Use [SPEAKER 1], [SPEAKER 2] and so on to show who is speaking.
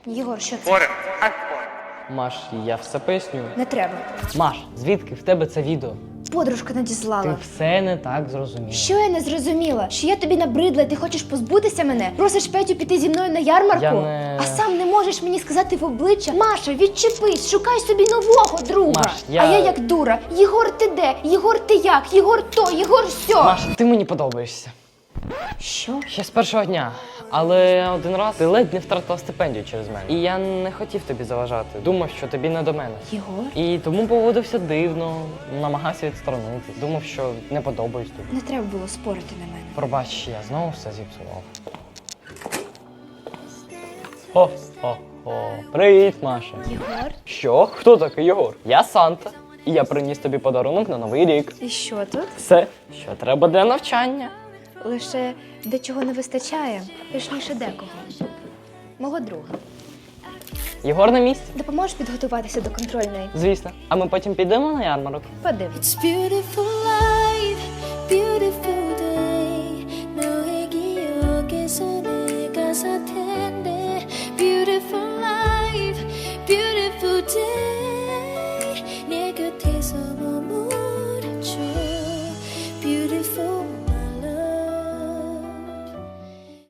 [SPEAKER 1] Єгор, що це?
[SPEAKER 2] Спорим? А спорим.
[SPEAKER 3] Маш, я все поясню.
[SPEAKER 1] Не треба.
[SPEAKER 3] Маш, звідки в тебе це відео?
[SPEAKER 1] Подружка
[SPEAKER 3] Ти
[SPEAKER 1] надіслала.
[SPEAKER 3] все не так зрозуміла.
[SPEAKER 1] Що я не зрозуміла? Що я тобі набридла, і ти хочеш позбутися мене? Просиш Петю піти зі мною на ярмарку?
[SPEAKER 3] Я не-
[SPEAKER 1] А сам не можеш мені сказати в обличчя? Маша, відчепись, шукай собі нового друга.
[SPEAKER 3] Маш,
[SPEAKER 1] А я як дура. Єгор, ти де? Єгор, ти як? Єгор то, Єгор сьо.
[SPEAKER 3] Маш, ти мені подобаєшся.
[SPEAKER 1] Що?
[SPEAKER 3] Ще з першого дня. Але один раз ти ледь не втратила стипендію через мене. І я не хотів тобі заважати. Думав, що тобі не до мене.
[SPEAKER 1] Єгор?
[SPEAKER 3] І тому поводився дивно, намагався відсторонитись. Думав, що не подобаюсь тобі.
[SPEAKER 1] Не треба було спорити на мене.
[SPEAKER 3] Пробач, я знову все зіпсував. Хо-хо-хо. Привіт, Маша.
[SPEAKER 1] Єгор?
[SPEAKER 3] Що? Хто такий Єгор? Я Санта. І я приніс тобі подарунок на Новий рік.
[SPEAKER 1] І що тут?
[SPEAKER 3] Все, що треба для навчання.
[SPEAKER 1] Лише дечого не вистачає, точніше декого. Мого друга.
[SPEAKER 3] Єгор на місці?
[SPEAKER 1] Допоможеш підготуватися до контрольної?
[SPEAKER 3] Звісно. А ми потім підемо на ярмарок.
[SPEAKER 1] Подивись.
[SPEAKER 4] It's beautiful life, beautiful day. 너의 기억에서 내가 살 텐데. Beautiful life, beautiful day. 내 곁에서